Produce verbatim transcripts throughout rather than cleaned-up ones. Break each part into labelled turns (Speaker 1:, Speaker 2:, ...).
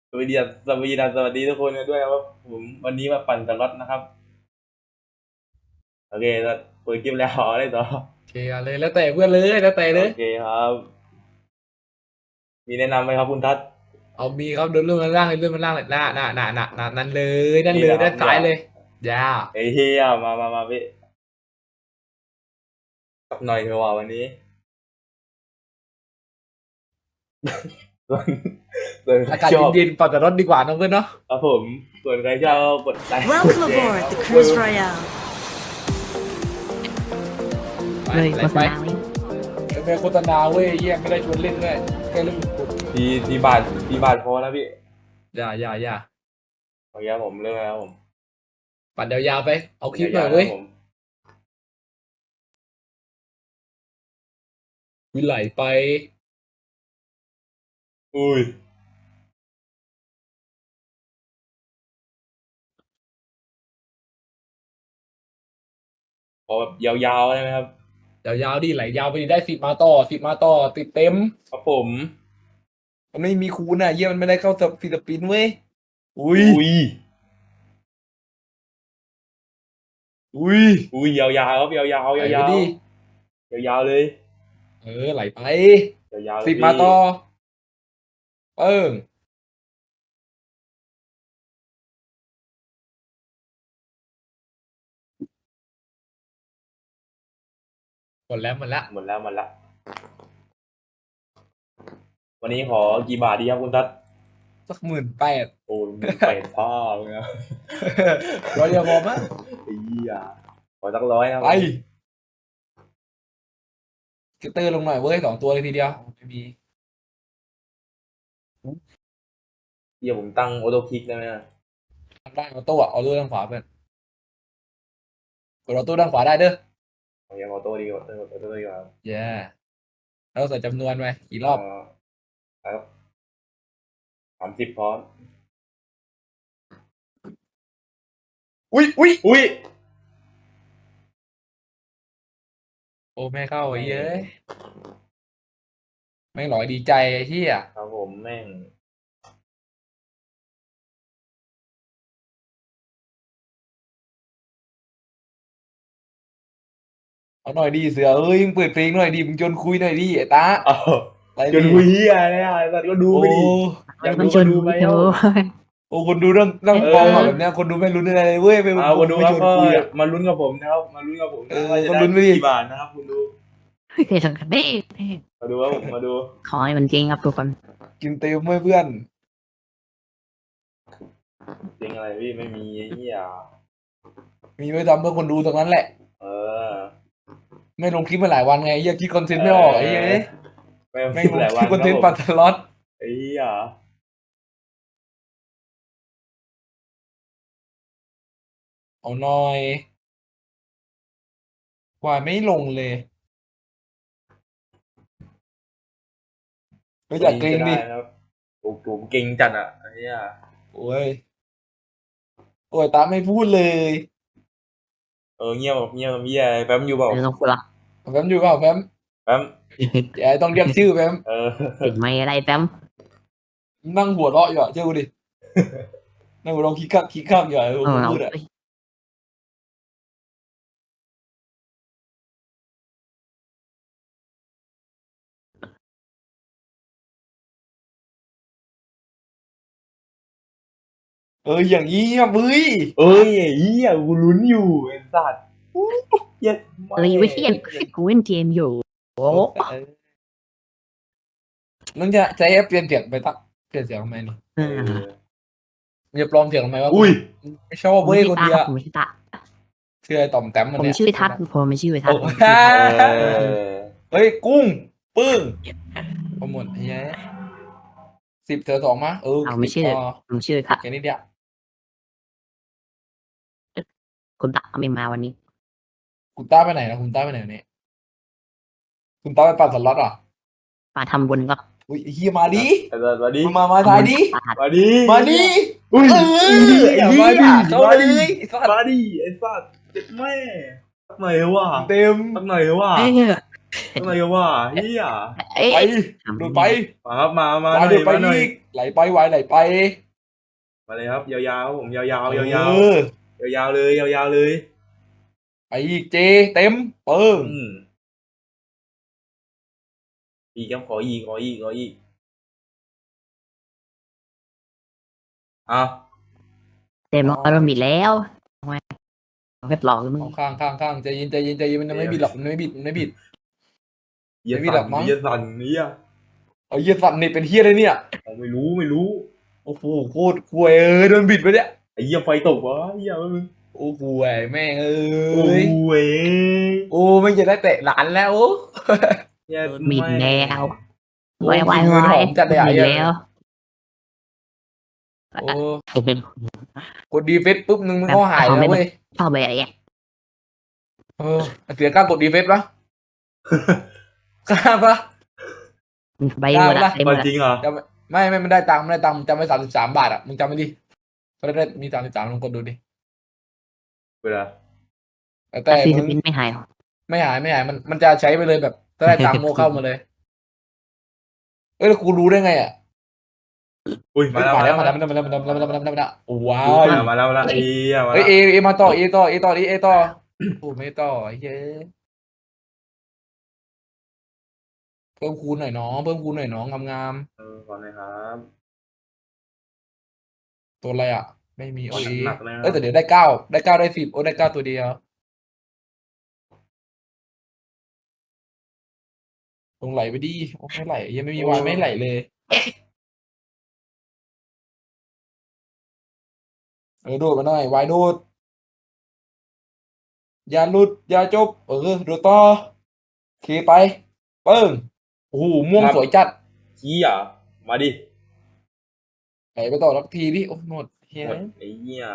Speaker 1: สวัสดีครับสวัสดีครับสวัสดีทุกคนกันด้วยครับผมวันนี้มาปั่นสล็อตนะครับโอเคแล้วเปิดคลิปแล้วอะไรต่อ
Speaker 2: โอเคเอาเลยแล้วแต่เพื่อนเลยแล้วแต่เลย
Speaker 1: โอเคครับมีแนะนำไหมครับคุณทัศน์
Speaker 2: เอามีครับเดินเรื่องมันล่างเลยเรื่องมันล่างเลยน่าน่าน่าน่าน่านั่นเลยนั่น
Speaker 1: นี่
Speaker 2: เลยด้า
Speaker 1: นะครับเนี่ย
Speaker 2: นซ้ายเลยยา
Speaker 1: ไอ้เฮียมามามาพี่สักหน่อยเถอะว่าวันนี้ส่วนส่วนใคร
Speaker 2: อากาศ
Speaker 1: ชอบ
Speaker 2: เย็นๆปั่นแต่รถดีกว่าน้องเพื่อนเนาะ
Speaker 1: ครับผมส่วนใครชอบก็กดไลค์กด
Speaker 3: Welcome
Speaker 1: แชร์
Speaker 3: aboard
Speaker 1: ครับ
Speaker 3: the
Speaker 1: ผม
Speaker 3: Cruise Royale.
Speaker 2: ไป
Speaker 4: เลย
Speaker 2: อะไร
Speaker 4: โฆษ
Speaker 2: ไป
Speaker 4: ณาไว้
Speaker 2: เป็นโฆษณาเว้ยเยี่ยไม่ได้ชวนเล่นด้วยแค่เรื่องกด
Speaker 1: ทีทีบาททีบาทพอแล้วพี่
Speaker 2: อย่าอย่าอย่า
Speaker 1: โอเคครับผมเริ่มแล้วครับผม
Speaker 2: ปั่นยาวๆไปเอาคลิปหน่อยเว้ย
Speaker 1: าวๆนะครับผม
Speaker 2: วิไหลไป
Speaker 1: อุ้ยขอแบบยาวๆได้ไหมครับ
Speaker 2: ยาวๆดิไหลยาวไปดิได้สิบมาต่อสิบมาต่อติดเต็ม
Speaker 1: ครับผม
Speaker 2: มันไม่มีคูณอ่ะเยี่ยมันไม่ได้เข้าฟิลิปปินส์เว้ยอุ้ย
Speaker 1: อุ้ย
Speaker 2: อุ้ย
Speaker 1: อุ้ยยาวๆครับยาวๆยาว
Speaker 2: ไหลไป
Speaker 1: ๆ
Speaker 2: ดิ
Speaker 1: ยาวๆเลย
Speaker 2: เออไหลไป
Speaker 1: ยาวๆเล
Speaker 2: สิ
Speaker 1: ยพี่
Speaker 2: บมาต่อเปิ้งหมดแล้วหมดแล้ว
Speaker 1: หมดแล้วหมดแล้ววันนี้ขอกี่บาทดีครับคุณทัศน์
Speaker 2: สักหมื่นแปด
Speaker 1: โอ้ยมึงเป็ดพ่อมึงนะ
Speaker 2: ร้อยเดียวพอมั้ย
Speaker 1: ไอ้เหี้ยขอสักร้อยครับ
Speaker 2: ไปสเกตเตอร์ลงหน่อยเว้ยสองตัวเลยทีเดียวไม่มี
Speaker 1: เหี้ยผมตั้งออโต้คลิกได้ไหมนะ
Speaker 2: ทำได้ออโต้อะออโต้ด้านขวาเพื่อนกดออโต้ด้านขวาได้เด้อ
Speaker 1: โอเคออโต้ดีกว่าออโต้ดีกว่า
Speaker 2: เย้แล้วใส่จำนวนไปกี่รอบ
Speaker 1: เอ่อแล้วสามสิบพร้อม
Speaker 2: อุ้ยอุ้ย
Speaker 1: อุ้ย
Speaker 2: โอ้แม่เข้าไอ้
Speaker 1: ไม่
Speaker 2: เย้ยแม่งหลอยดีใจไอ้เหี้ย
Speaker 1: ครับผมแม่ง
Speaker 2: เอาหน่อยดีเสือเอ้ยมึงเปิดเพลงหน่อยดิมึงชวนคุยหน่อยดิไอ้ตา
Speaker 1: เอา
Speaker 2: อะไร
Speaker 1: จน
Speaker 2: ดิ
Speaker 1: คุยเหี้ยเนี่ยไอ้สัตว์ก็ดู
Speaker 2: โอ้
Speaker 1: ไปดิอยาก
Speaker 4: มั
Speaker 1: ดู
Speaker 4: นชน
Speaker 1: ก็ดูไป
Speaker 4: โอ้
Speaker 1: เอ้า
Speaker 2: โอ้คนดูนั่งนั่ง
Speaker 4: เอ
Speaker 2: มองอะ
Speaker 4: อ
Speaker 2: แบบเนี้ยคนดูไม่รู้อะไรเลยเว้ยไม่
Speaker 1: เอาคนดู
Speaker 2: ไม่
Speaker 1: ครับก็
Speaker 2: ชวนคุยอะ
Speaker 1: มาลุ้นกับผมนะครับมาลุ้นกับผม
Speaker 2: เออ
Speaker 1: นะว่าจะได้
Speaker 2: ก็ลุ้นไปดิ
Speaker 1: กี่บาทนะครับคุณดู
Speaker 4: เฮ้ยสำคัญเด้
Speaker 1: มาดูครับผมมาดู
Speaker 4: ขอให้มันจริงครับทุกคน
Speaker 2: กินเต็มไหมเพื่อน
Speaker 1: จริงอะไรพี่ไม่มีไอ้เหี้ย
Speaker 2: มีไว้ทำเพื่อคนดูตรงนั้นแหละ
Speaker 1: เออ
Speaker 2: ไม่ลงคลิปมาหลายวันไงเหี้ยคิดคอนเทนต์ไม่ออกไอ้เหี้ยเอ้ย
Speaker 1: ไม่
Speaker 2: แม่ง
Speaker 1: คิด
Speaker 2: ลง
Speaker 1: หลาย
Speaker 2: ค
Speaker 1: วั
Speaker 2: ลิป
Speaker 1: นครับผม
Speaker 2: คอนเทนต์ปัดสล็อต
Speaker 1: ไอ้เหี้ย
Speaker 2: เอาหน่อยกว่าไม่ลงเลยก็อยากเกรง
Speaker 1: จะได้
Speaker 2: ดิ
Speaker 1: ครับผมผมเก่งจัดอ่ะไอ้เหี้ย
Speaker 2: โอ้ยโอ้ยตามไม่พูดเลย
Speaker 1: เออเงียบเงียบเงียบแป๊มอยู่เปล่า
Speaker 4: ไม่ต้องพูดละ
Speaker 2: แฟมอยู่เปล่าแฟม
Speaker 1: แป๊ม
Speaker 2: อย่าต้องเรียกชื่อแฟม
Speaker 1: เออ
Speaker 4: ติดไม่อะไรแป๊ม
Speaker 2: นั่งหัวเราะอยู่อะเชื่อกูดินั่งหัวเราะคิกคักคิกคักอยู่อะ
Speaker 4: เออ
Speaker 2: กู
Speaker 4: เรา
Speaker 2: พูดอะเอออย่างนี้อะเว้ย
Speaker 1: เอ้ยไอ้เหี้ยกูลุ้นอยู่ไอ้สัตว์เหี้ย
Speaker 4: เอ้ยไม่ใช่กูเล่นเกมอยู่โอ้
Speaker 2: มึงจะใช้แอปเปลี่ยนเสียงไปตักเปลี่ยนเสียงทำไมนี่
Speaker 4: เอ
Speaker 1: เอ
Speaker 4: อ
Speaker 1: อ
Speaker 2: มึงจะปลอมเสียงทำไมวะ
Speaker 1: อุ้ย
Speaker 2: ไม่ชอบ
Speaker 4: ผม
Speaker 2: เว้ย
Speaker 4: ชื่อ
Speaker 2: คน
Speaker 4: ตา
Speaker 2: เดียว
Speaker 4: ผมชื่อตา
Speaker 2: ชื่อไอ้ต่อมแต้มมัน
Speaker 4: ผม
Speaker 2: เนี่ย
Speaker 4: ชื่อทัศน์ผมไม่ชื่อทัศ
Speaker 2: โอ้
Speaker 4: น์ผม
Speaker 2: ฮ่า
Speaker 1: เออ
Speaker 2: เฮ้ยกุ้งปึ้งโปรโมทเฮ้ยสิบเจอสองมาเออ
Speaker 4: เอาไม่ชื่อ
Speaker 2: อ๋อ
Speaker 4: ผมชื่อทัศน์
Speaker 2: แค่นี้เดียว
Speaker 4: คุณตาไม่มาวันนี้
Speaker 2: คุณต้าไปไหนนะคุณต้าไปไหนเนี่ยคุณต้าไปปั่นสล็อตเหรอ
Speaker 4: มาทำบุญก็
Speaker 2: อุ้ยไอ้เฮียมาดิ
Speaker 1: ไอ้สัตว์มาดิ
Speaker 2: มามามาทายดิ
Speaker 1: มาดิ
Speaker 2: มาดิ
Speaker 1: อุ้ย
Speaker 2: เออ
Speaker 1: ไอ้
Speaker 2: ไอ้
Speaker 1: เหี้
Speaker 2: เหี้
Speaker 1: ย
Speaker 2: ยเข้า
Speaker 1: มา
Speaker 2: เล
Speaker 1: ดิ
Speaker 2: ยไอ้สัตว์
Speaker 1: มาดิไอ้สัตว์เจ็บแม่สักหน่อยเถอะว่ะ
Speaker 2: เต็ม
Speaker 1: สักหน่อยเถอะว่ะ
Speaker 4: เอ้ย
Speaker 1: อะไรกันวะเฮีย
Speaker 4: เอ๊ะ
Speaker 2: ไปดูดไป
Speaker 1: มาครับมามาห
Speaker 2: วาย
Speaker 1: น่อ
Speaker 2: ดู
Speaker 1: ย
Speaker 2: ดไป
Speaker 1: มาหน่อย
Speaker 2: อีกไหลไปวายไหลไป
Speaker 1: มาเลยครับยาวๆครับผมยาวๆยาว
Speaker 2: เอ
Speaker 1: ๆยาว
Speaker 2: อ
Speaker 1: ๆยาวๆเลยยาวๆเลย
Speaker 2: ไปอีกเจเต็มเปิ้ง
Speaker 1: อืมอีกครับขออีกขออีกขออีกอ่ะ
Speaker 4: เต็มอารมณ์บิดแล้วทำไมเว็บหลอกมึง
Speaker 2: เอาข้างข้างข้างใจเย็นใจเย็นใจเย็นมันไม่บิดหรอกมันไม่บิดมันไม่บิด
Speaker 1: เยีย
Speaker 2: ไม่มีหร
Speaker 1: สั
Speaker 2: อน กมั้ง
Speaker 1: เยียสันเนี่ย
Speaker 2: เอาเหี้ยสัตว์นี่เป็นเฮียเลยเนี่ย
Speaker 1: ผมไม่รู้ไม่รู้
Speaker 2: โอ้โหโคตรควยเออโดนบิดไปเนี่ย
Speaker 1: ไอ้เยี่ยไฟตกวะเยี่ยมึง
Speaker 2: โอ้โหไอ้แม่งเอ้
Speaker 1: โอ้
Speaker 2: ย
Speaker 1: ยเว้ย
Speaker 2: โอ้ไม่จะได้เตะหลานแล้วโอ้
Speaker 1: เหี้ย
Speaker 4: บิด
Speaker 1: แม่
Speaker 4: แล้ว
Speaker 2: โอ้
Speaker 4: วายวาย
Speaker 2: เงิน
Speaker 4: วา
Speaker 2: ห
Speaker 4: ย
Speaker 2: อมจัดเลยอ่ะ
Speaker 4: บิด
Speaker 2: เหี้ย
Speaker 4: แล้ว
Speaker 2: โอ้กดดีเฟสปุ๊บนึงมัน
Speaker 4: แบบ
Speaker 2: ก็หาย
Speaker 4: เอา
Speaker 2: แล้ว
Speaker 4: ไม่
Speaker 2: เว้ย
Speaker 4: เข้าไปอะไรเงี้ย
Speaker 2: เออเสียกล้ากดดีเฟสปะกล้าปะ
Speaker 4: ไปหมดละเต็มหม
Speaker 1: มา
Speaker 4: ดละ
Speaker 1: จริงเหรอ
Speaker 2: จำไม่ไม่มันได้ตังค์มันได้ตังค์มึงจำไว้สามสิบสามบาทอ่ะมึงจำไว้ดิก็ได้มีสามสิบสามลองกดดูดิ
Speaker 1: เวลา
Speaker 2: แต่แต่
Speaker 4: แต่ซีส
Speaker 2: มึง
Speaker 4: ปินไม่หาย
Speaker 2: ไม่หายไม่หายมันมันจะใช้ไปเลยแบบถ้าได้ตังค์โมเข้ามาเลยเอ้ยแล้วกูรู้ได้ไงอ่ะ
Speaker 1: อุ้ยมาแล้ว
Speaker 2: มา
Speaker 1: มา
Speaker 2: แล้
Speaker 1: แล้ว ว
Speaker 2: มา
Speaker 1: มา
Speaker 2: แล้
Speaker 1: แล้ว ว
Speaker 2: มาแล้วมาแล้วมาแล้วมาแล้วมาแล้วมาแล้วว้า
Speaker 1: มาแล้ว
Speaker 2: ว
Speaker 1: มาแล้วมาแล้วเอียมา
Speaker 2: เฮ้ย
Speaker 1: แล้ว
Speaker 2: เอเอมาต่อเอต่อเอต่อดิเอต่อโอ้ไม่ต่อเฮ้ยเพิ่มคูณหน่อยน้องเพิ่มคูณหน่อยน้องงาม
Speaker 1: เออขอหน่อยครับ
Speaker 2: ๆตัวอะไรอ่ะ ไม่มีโอเอ
Speaker 1: หนักๆเลยนะ
Speaker 2: เอ้ยแต่เดี๋ยวได้เก้าได้เก้าได้สิบโอ้ได้เก้าตัวเดียวลงไหลไปดิโอ้ไม่ไหลยังไม่มีวายไม่ไหลเลยเออโดดมาหน่อยวายโดดอย่าหลุดอย่าจบเออโดดต่อเคไปเปิ้งโอ้โหม่วงสวยจัด
Speaker 1: เฮียมาดิ
Speaker 2: ไหลไปต่อสักทีดิโอ้หมดเฮ้
Speaker 1: หมด
Speaker 2: ย
Speaker 1: ไอ้เหี้ย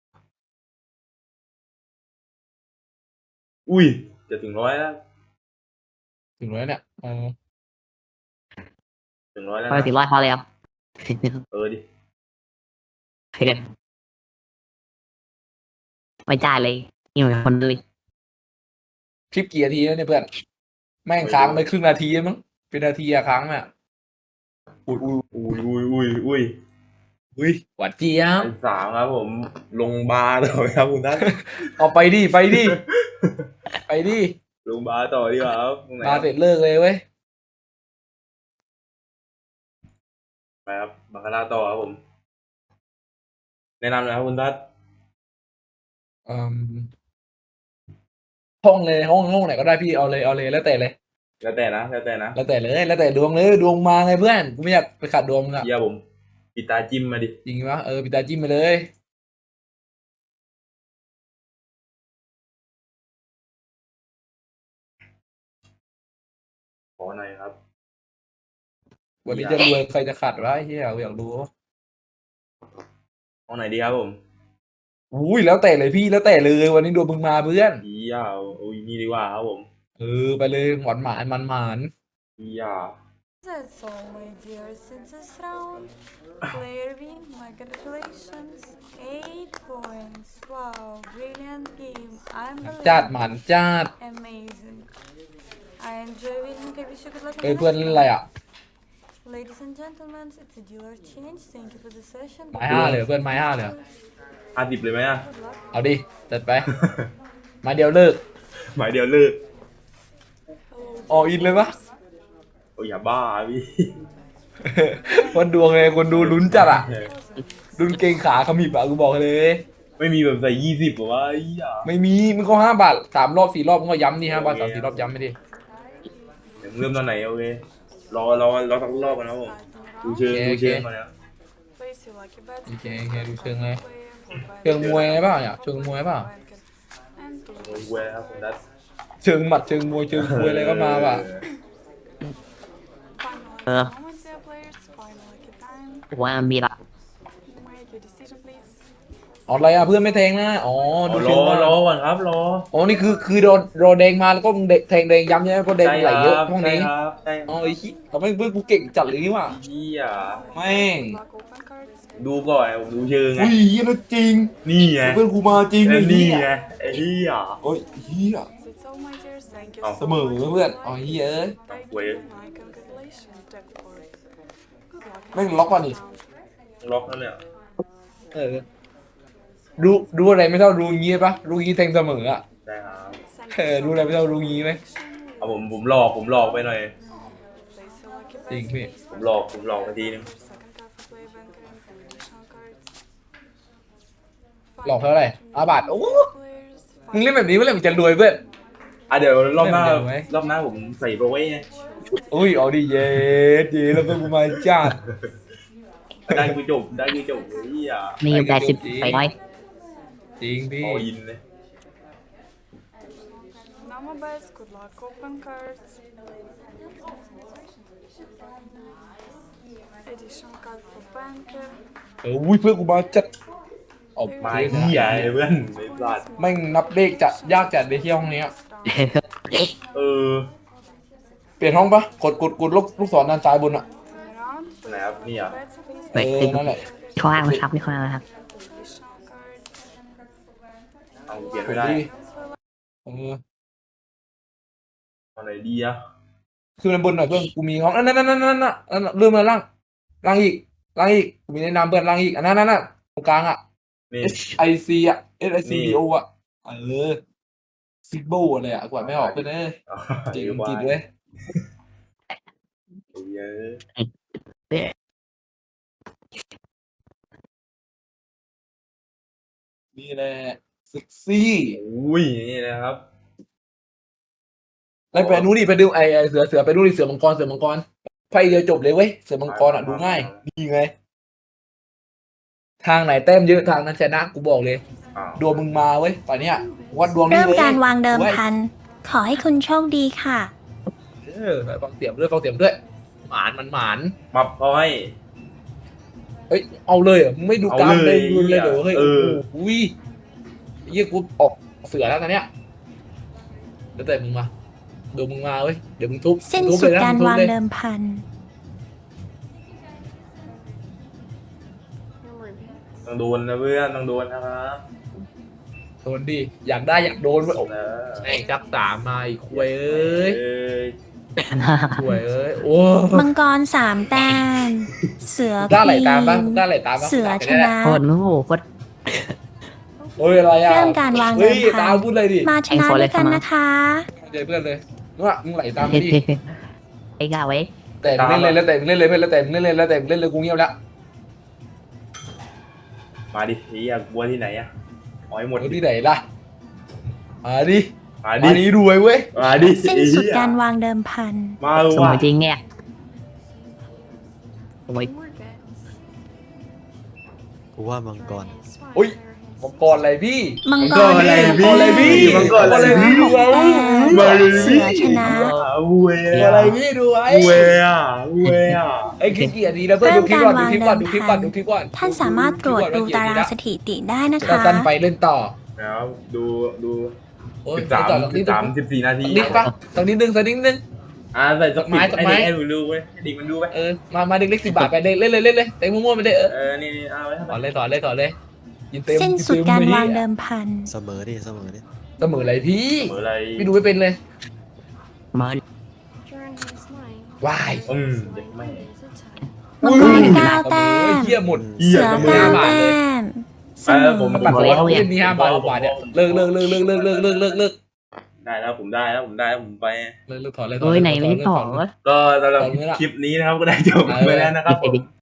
Speaker 1: อุ้ยจะถึงร้อยแล้ว
Speaker 2: ถึงแล้วเนี่ยเออ
Speaker 1: ถึงร้อยแล้ว
Speaker 4: พอ
Speaker 1: นะ
Speaker 4: ถึงร้อยพอแล้ว
Speaker 1: เออดิ
Speaker 4: ไม่จ่ายเลยนี่เหมือนคนเลย
Speaker 2: คลิปกี่นาทีแล้วเนี่ยเพื่อนแม่งค้างไปครึ่งนาทีแล้วมั้งเป็นนาทีอะค้างอ่ะอุ้ยอุ้ย
Speaker 1: อุ้ยอุ้ยอุ้ยอุ้ย
Speaker 2: อุ้ยหวานเจี๊ยบ
Speaker 1: อันสามครับผมลงบาร์ต่อไหมครับคุณท่าน
Speaker 2: เอาไปดิไปดิไปดิ
Speaker 1: ลงบาร์ต่อดีกว่าครับตรงไหน
Speaker 2: มาเสร็จเลิกเลยเว้ย
Speaker 1: ไปครับบาคาร่าต่อครับผม แนะนำหนะครับคุณทัศน์
Speaker 2: อืมห้องเลยห้องห้องไหนก็ได้พี่เอาเลยเอาเลยแล้วแต่เลย
Speaker 1: แล้วแต่นะแล้วแต่นะ
Speaker 2: แล้วแต่เลยแล้วแต่ดวงเลยดวงมาไงเพื่อนกูไม่อยากไปขัดดวงมึงอะ
Speaker 1: เยี่ยผมปิดตาจิ้มมาดิ
Speaker 2: จริงปะเออปิดตาจิ้มไปเลย
Speaker 1: ขอหน่อยครับ
Speaker 2: วันนี้จะรวยใครจะขัดวะไอ้เหี้ยกูอยากรู้
Speaker 1: ห้องไหนดีครับผม
Speaker 2: อุ้ยแล้วแต่เลยพี่แล้วแต่เลยวันนี้ดวงมึงมาเพื่อน
Speaker 1: เยี่ยอุ้ยนี่ดีกว่าครับผม
Speaker 2: เออไปเลยหวานหมานมันหมาน
Speaker 1: เยี่ย
Speaker 3: That's all, my dears, in this round. Player win, my congratulations. Eight points. Wow, brilliant game. I'm
Speaker 2: จัดหมันจัด
Speaker 3: amazing. I enjoy winning. I wish you good luck
Speaker 2: เอ้ย
Speaker 3: in
Speaker 2: เพื่อน
Speaker 3: the
Speaker 2: เล่น
Speaker 3: next
Speaker 2: อะไรอ่ะ
Speaker 3: round. Ladies and gentlemen, it's a dealer change. Thank you for the session.
Speaker 2: ไม้ห้าเลยเพื่อนไม้ห้าเลย
Speaker 1: ห้าสิบเลยไหมอ่ะ
Speaker 3: Good luck.
Speaker 2: เอาดิจัดไปไมาเดียวเลิก
Speaker 1: หมายเดียวเลิก
Speaker 2: ออกอินเลยปะ
Speaker 1: โอ้ยอย่าบ้าพี่
Speaker 2: คนดวงเลยคนดูลุ้นจัดอ่ะลุ้นเกรงขาขมิบอ่ะกูบอกเลย
Speaker 1: ไม่มีแบบใส่ยี่สิบหรอวะไอ้เหี้ย
Speaker 2: ไม่มีมึงก็ห้าบาทสามรอบสี่รอบมึงก็ย้ำดิห้าบาทสามสี่รอบย้ำไม่ดิ
Speaker 1: เดี๋ยวมึงเริ่มตอนไหนโอเครอรอรอสักรอบกันนะผมดูเชิงดูเชิงก่อนนะ
Speaker 3: Place your lucky bets.
Speaker 2: โอเคโอเคดูเชิงเลย
Speaker 3: Player for buy
Speaker 2: เชิงมวยเปล่าเนี่ยเชิงมวยเปล่า
Speaker 3: and
Speaker 1: โอ้ยเว้ยครับผมดัด
Speaker 2: เชิงหมัดเชิงมวยเชิงมวยอะไรก็มาป่ะ
Speaker 3: final lucky moments, dear players. Final lucky time.
Speaker 4: ว่ามีละ
Speaker 3: Make your decision, please.
Speaker 2: อ๋ออะไรอ่ะเพื่อนไม่แทงนะอ๋อดู
Speaker 1: ร
Speaker 2: เชิ
Speaker 1: อง
Speaker 2: มาร
Speaker 1: อก่อนครับรอ
Speaker 2: อ๋อนี่คือคือโดนโดนแดงมาแล้วก็มึงแทงแดงย้ำใช่ไหมเพราะแดงไหลเยอะห้องนี้
Speaker 1: ใช่ครับใช่ค
Speaker 2: อ๋
Speaker 1: รั
Speaker 2: อบ ไอ้ขี้ทำไมเพื่อนกูเก่งจัดเลยนี่ว่ะ
Speaker 1: เหี้ย
Speaker 2: แม่ง
Speaker 3: Luck open cards.
Speaker 1: ดูก่อนผมดูเชิงไง
Speaker 2: อุ้ยเฮียนะจริง
Speaker 1: นี่ไง
Speaker 2: เพื่อนกูมาจริง
Speaker 1: เอ
Speaker 2: เล
Speaker 1: อย นี่
Speaker 2: เฮีย
Speaker 1: ไงไอ้เหี้ย
Speaker 2: โอ้ยเฮีย
Speaker 3: That's all, my dears. I Thank you
Speaker 1: เอา
Speaker 3: so
Speaker 2: เสมอ
Speaker 3: much.
Speaker 2: เพื่อนอ๋อเฮ้ยเอ้ย
Speaker 3: Thank
Speaker 1: Ui.
Speaker 3: you. My congratulations, jackpot. Good luck.
Speaker 2: แม่งล็อกว่ะนี่
Speaker 1: ล็อกแล้วเนี่ย
Speaker 2: เออรู้รู้อะไรไม่เท่ารู้งี้ปะรู้งี้แทงเสมออ่ะ
Speaker 1: ได้ครับ
Speaker 3: Thank
Speaker 2: เออ
Speaker 3: you so
Speaker 2: รู้อะไรไม่เท่า
Speaker 3: much
Speaker 2: รู้
Speaker 3: for
Speaker 2: งี้ไหม
Speaker 3: connection.
Speaker 1: เอาผมผมหลอกผมหลอกไปหน่อย
Speaker 3: Place a lucky bet,
Speaker 2: Think me.
Speaker 3: please.
Speaker 1: ผมหลอกผมหลอกไปทีนึง
Speaker 3: Second half of play banker and additional cards.
Speaker 2: หลอกเท่าไหร่อาบาทโอ้
Speaker 3: Players,
Speaker 2: มึงเล่นแบบนี้เมื่อไหร่มึงจะรวยเพื่อน
Speaker 1: อ่ะเดี๋ยวรอบหน้า
Speaker 2: เล่นเดี๋ยวไหม
Speaker 1: รอบหน้าผมใส่โปรไว้ไง
Speaker 2: อุ้ยเอาดิเย็ดเย็ดแล้วเป็นกูมาจัด
Speaker 1: ได้กูจบได้กูจบเฮ้ยอ่ะ
Speaker 4: มีอยู่แปดสิบไปร้อย
Speaker 2: จริงพี่
Speaker 1: อออินเลย
Speaker 3: Nama bets, good luck, open cards. Additional card for banker.
Speaker 2: เอออุ้ยเพื่อนกูมาจัดเอา
Speaker 1: มา
Speaker 2: เพื่อน
Speaker 1: เหี้ยเพื่อนไอ้สัตว์
Speaker 2: แม่งนับเลขจะยากจัดในที่ห้องเนี้ย
Speaker 1: เออ
Speaker 2: เปลี่ยนห้องปะกดกดกดลูกลูกศรด้านซ้ายบนอ่ะ
Speaker 3: Around,
Speaker 1: ไหนครับนี่อ่ะ
Speaker 3: bets, please.
Speaker 4: ไป
Speaker 2: เออ
Speaker 4: ตึก
Speaker 2: นั่นแหละ
Speaker 4: ข้างล่างนะครับนี่ข้างล่างนะครับ
Speaker 3: Additional card.
Speaker 1: เอาเปลี่ยน
Speaker 2: ก
Speaker 1: ไม่
Speaker 2: ด
Speaker 1: ได้
Speaker 2: ดิ
Speaker 3: Transfer
Speaker 2: เออ
Speaker 1: เอาไหนดีอ่ะ
Speaker 2: คือมันบนหน่อยเพื่อนกูมีห้องนั่นนั่นนั่นนั่นนั่นนั่นเลื่อนมาล่างล่างอีกล่างอีกกูมีแนะนำเพื่อนล่างอีกอันนั้นนั่นนั่นตรงกลางอ่ะ
Speaker 1: นี่
Speaker 2: S I C อ่ะ S I C
Speaker 1: นี่
Speaker 2: B O อ่ะเออซิโบอะไรอ่ะกว่าไม่ออกเพื่อนเอ้ย
Speaker 1: เอา
Speaker 2: จริง
Speaker 1: ดี๋ว
Speaker 2: จริงเลย
Speaker 1: เยอะ
Speaker 2: นี่แหละเซ็กซี่
Speaker 1: อุ้ยนี่นะครับ
Speaker 2: แล้วไปนู้นดิไปดูไอไอเสือเสือไปดูดิเสือมังกรเสือมังกรไฟเดียวจบเลยเว้ยเสือมังกรอ่ะดูง่ายนี่ไงทางไหนแต้มเยอะทางนั้นชนะกูบอกเลย
Speaker 1: อ้าว
Speaker 2: ดวงมึงมาเว้ยตอนเนี้ยวัดดวงนี่
Speaker 5: เริ่ม
Speaker 2: เลย
Speaker 5: การวางเดิมพัน ขอให้คุณโชคดีค่ะ
Speaker 2: เออฟังเสียงด้วยฟังเสียงด้วยหมานมันหมาน
Speaker 1: มาพอย
Speaker 2: เอ้ยเอาเลยเหรอมึงไม่ดูกราฟ
Speaker 1: เอาเล
Speaker 2: เลย ยดูเลยเดี๋ยวเฮ้ย
Speaker 1: เออ
Speaker 2: โอ้โหเยี่ยกูออกเสือแล้วตอนเนี้ยเดี๋ยวแต่มึงมาเดี๋ยวมึงมาเว้ยเดี๋ยวมึงทุบ
Speaker 5: สิ้น
Speaker 2: ทุบ
Speaker 5: สุด
Speaker 2: เลยนะ
Speaker 5: การ
Speaker 2: มึงทุบ
Speaker 5: วาง
Speaker 2: เลย
Speaker 5: เดิมพัน
Speaker 1: ต้องโดนนะเพื่อนต้องโดนนะครับ
Speaker 2: โดนดิอยากได้อยากโดนเว้ยโอ้
Speaker 1: เออ
Speaker 2: แม่งจับสามมาอีกควยเอ้ย
Speaker 1: เอ้ย
Speaker 2: ควยเอ้ยโอ้
Speaker 5: มังกรสามแต้ม เสือ
Speaker 2: ได้ไหล
Speaker 5: ควี
Speaker 2: ตามปะ
Speaker 5: น
Speaker 2: ได้ไหลตามปะ
Speaker 5: เสือชนะ
Speaker 4: โคตรโง่โคตร
Speaker 2: โอ้ยอะไรอ่ะ
Speaker 5: เริ่มการวางเดิ
Speaker 2: เฮ้
Speaker 5: ม
Speaker 2: ย
Speaker 5: พั
Speaker 2: ตาม
Speaker 5: น
Speaker 2: พูดเลยดิ
Speaker 5: มาชนะด้วยกันนะคะ
Speaker 2: เจอเพื่อนเลยนู่นอะมึงไหลตามไปดิ
Speaker 4: ไอ้กาไว้
Speaker 2: แต่มึงเล่นเลยแล้วแต่มึงเล่นเลยเพื่อนแล้วแต่มึงเล่นเลยแล้วแต่มึงเล่นเลยกูเงียบแล้ว
Speaker 1: มาดิไอ้เหี้ยกลัวที่ไหนอ่ะเอาให้หมด
Speaker 2: เอาที่ไหนล่ะมาดิ
Speaker 1: มา
Speaker 2: มา
Speaker 1: ดิ
Speaker 2: ดิรวยเว้ย
Speaker 1: มาดิ
Speaker 5: สิ้นสุดการวางเดิมพัน
Speaker 1: มา
Speaker 4: สม
Speaker 1: ว่ะ
Speaker 4: มติจริงเนี่ยสมมติ
Speaker 6: กูว่ามังกร
Speaker 2: อุ้ยมังกรอะไรพี่
Speaker 5: มังก
Speaker 1: ก็
Speaker 5: ร
Speaker 1: อะไร
Speaker 5: ห้า
Speaker 1: พี่
Speaker 5: แต้
Speaker 2: อะไรพี่
Speaker 5: ม
Speaker 1: มันก็อะไร
Speaker 5: เสือ
Speaker 1: พี่
Speaker 5: หกแต้ม
Speaker 1: มาดิ
Speaker 5: เสือชนะ
Speaker 1: เวย
Speaker 2: อะไรพี่ดูไว้
Speaker 1: เวยอ่ะเวยอ่ะ
Speaker 2: ไอ้คิดกี่นาทีแล้วเพื่อน
Speaker 5: เริ่
Speaker 2: ดู
Speaker 5: ม
Speaker 2: คลิป
Speaker 5: การ
Speaker 2: ก่อนดู
Speaker 5: วาง
Speaker 2: คลิปก่อน
Speaker 5: เดิ
Speaker 2: ดู
Speaker 5: ม
Speaker 2: คลิป
Speaker 5: พั
Speaker 2: ก่อน
Speaker 5: น ท่านสามารถตรวจดูตารางสถิติได้นะ
Speaker 2: ถ้า
Speaker 5: คะ
Speaker 2: สั้นไปเล่นต่อ
Speaker 1: แล้วดูดู
Speaker 2: โอ้ย
Speaker 1: สิบสาม
Speaker 2: ต่อสักนิ
Speaker 1: สิ
Speaker 2: ด
Speaker 1: บสาม
Speaker 2: นึง
Speaker 1: สิบสี่นาที
Speaker 2: สักนิดปะสักนิดนึงสักนิดนึง
Speaker 1: อ่าใส่สัก
Speaker 2: ไม้
Speaker 1: สิบ
Speaker 2: สักไม้
Speaker 1: ให้ให้ดูดูเว้ยให้ดิมันดูไป
Speaker 2: เออมามาเด็กเล็กสิบบาทไปเลยเล่นเลยเล่นเลยเต็มมั่วๆไปเลยเออ
Speaker 1: เออนี่นี่เอาไว้
Speaker 2: ต่อเลยต่อเลยต่อเลยยินเต็ม
Speaker 5: สิ้นสุดการวางเดิมพัน
Speaker 6: เสมอดิเสมอดิ
Speaker 2: เสมออะไรพี่
Speaker 1: เหมือนอะไร
Speaker 2: พี่ดูไม่เป็นเลย
Speaker 4: มา
Speaker 2: วาย
Speaker 1: อืมเด็กแม่
Speaker 5: มังกรเก้าแต้
Speaker 2: โอ้ย
Speaker 5: ม
Speaker 2: เหี้ยหมด
Speaker 1: เหี้ย
Speaker 5: เสือ
Speaker 1: เสมอ
Speaker 5: เก้า
Speaker 2: บาท
Speaker 5: แต้
Speaker 2: เลย
Speaker 5: มเส
Speaker 1: เอ
Speaker 5: ม
Speaker 1: อ
Speaker 5: อ
Speaker 1: ผม
Speaker 2: ปัดสล็อตเล่นนี่ห้าบาทหกบาทเนี่ยเลิกเลิกเลิกเลิกเลิกเลิกเลิกเลิกเลิก
Speaker 1: ได้แล้วผมได้แล้วผมได้แล้วผมไป
Speaker 2: เลิกเลิกถอนเลย
Speaker 4: เอ้ยไหนไม่ได้ต่อ
Speaker 1: ก็สำหรับ
Speaker 2: ตอนนี้ล่ะ
Speaker 1: คลิปนี้นะครับก็ได้จบไปแล้วนะครับผม